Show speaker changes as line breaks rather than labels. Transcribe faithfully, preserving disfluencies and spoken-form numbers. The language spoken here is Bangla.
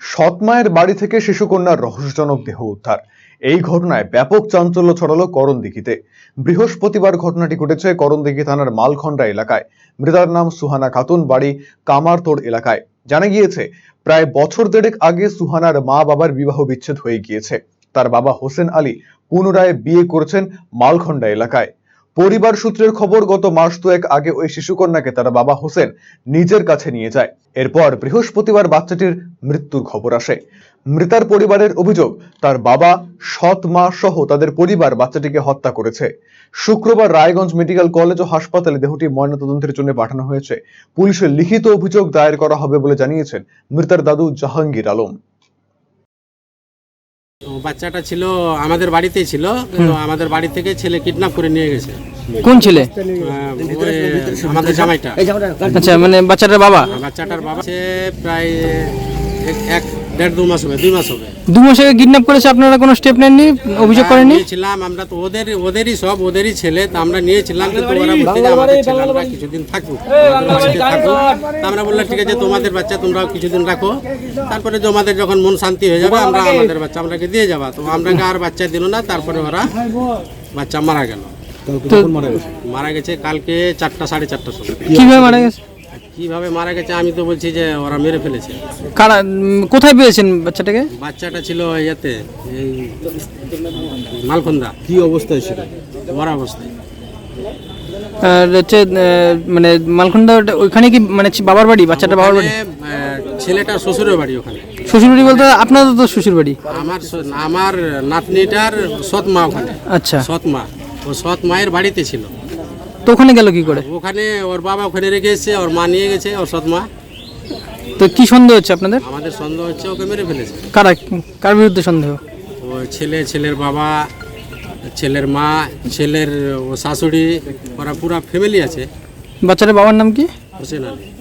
সৎ মায়ের বাড়ি থেকে শিশুকন্যার রহস্যজনক দেহ উদ্ধার। এই ঘটনায় ব্যাপক চাঞ্চল্য ছড়ালো করণদিঘিতে। বৃহস্পতিবার ঘটনাটি ঘটেছে করণদিঘি থানার মালখন্ডা এলাকায়। মৃতার নাম সুহানা খাতুন, বাড়ি কামারতোড় এলাকায়। জানা গিয়েছে, প্রায় বছর দেড়েক আগে সুহানার মা বাবার বিবাহ বিচ্ছেদ হয়ে গিয়েছে। তার বাবা হোসেন আলী পুনরায় বিয়ে করেছেন মালখন্ডা এলাকায়। পরিবার সূত্রের খবর, গত মাস দুয়েক আগে ওই শিশুকন্যাকে তার বাবা হোসেন নিজের কাছে নিয়ে যায়। এরপর বৃহস্পতিবার বাচ্চাটির মৃত্যুর খবর আসে। মৃতার পরিবারের অভিযোগ, তার বাবা, সৎ মা সহ তাদের পরিবার বাচ্চাটিকে হত্যা করেছে। শুক্রবার রায়গঞ্জ মেডিকেল কলেজ ও হাসপাতালে দেহটি ময়নাতদন্তের জন্য পাঠানো হয়েছে। পুলিশের লিখিত অভিযোগ দায়ের করা হবে বলে জানিয়েছেন মৃতার দাদু জাহাঙ্গীর আলম।
বাচ্চাটা ছিল আমাদের বাড়িতেই ছিল, কিন্তু আমাদের বাড়ি থেকে ছেলে কিডন্যাপ করে নিয়ে গেছে।
কোন ছেলে?
আহ, ওই আমাদের জামাইটা।
আচ্ছা, মানে বাচ্চাটার বাবা?
বাচ্চাটার বাবা সে প্রায় এক- এক দেড় দু মাস হবে, দুই মাস হবে।
দু মাস আগে কিডন্যাপ করেছে, আপনারা কোনো স্টেপ নেননি, অভিযোগ করেননি?
নিয়েছিলাম আমরা তো, ওদের ওদেরই সব ওদেরই ছেলে, তো আমরা নিয়েছিলাম, কিন্তু ওরা বলতে যে আমাদের ছেলে আমরা কিছুদিন থাকুক, আমাদের বাড়িতে থাকুক। তা আমরা বললাম ঠিক আছে, তোমাদের বাচ্চা তোমরাও কিছুদিন রাখো, তারপরে তোমাদের যখন মন শান্তি হয়ে যাবে আমরা আমাদের বাচ্চা আমরাকে দিয়ে যাবা। তো আমরাকে আর বাচ্চা দিল না, তারপরে ওরা বাচ্চা মারা গেল।
তো
মারা গেছে কালকে চারটা সাড়ে চারটার সময়।
কিভাবে মারা গেছে?
কিভাবে মারা গেছে আমি তো বলছি যে ওরা মেরে ফেলেছে।
কারা, উম, কোথায় পেয়েছেন বাচ্চাটাকে?
বাচ্চাটা ছিল ইয়েতে, এই মালখন্দা।
কি অবস্থায় ছিল?
মরা অবস্থায়।
আর হচ্ছে আহ, মানে মালখন্ডা ওটা- ওইখানে কি মানে ছি- বাবার বাড়ি? বাচ্চাটা বাবার বাড়ি?
ওখানে, আহ, ছেলেটার শ্বশুরের বাড়ি ওখানে।
শ্বশুর বাড়ি বলতে আপনাদের তো শ্বশুর বাড়ি?
আমার শ- আমার নাতনিটার সৎ মা ওখানে।
আচ্ছা,
সৎ মা, ও সৎ মায়ের বাড়িতে ছিল।
তো ওখানে গেল কি করে?
ওখানে ওর বাবা ওখানে রেখে এসেছে, ওর মা নিয়ে গেছে, ওর সৎ মা।
তো কি সন্দেহ হচ্ছে আপনাদের?
আমাদের সন্দেহ হচ্ছে ওকে মেরে ফেলেছে।
কারা, কার বিরুদ্ধে সন্দেহ?
ও ছেলে, ছেলের বাবা, ছেলের মা, ছেলের ও শাশুড়ি, ওরা পুরা ফ্যামিলি আছে।
বাচ্চাটার বাবার নাম কি?
হোসেন আলী।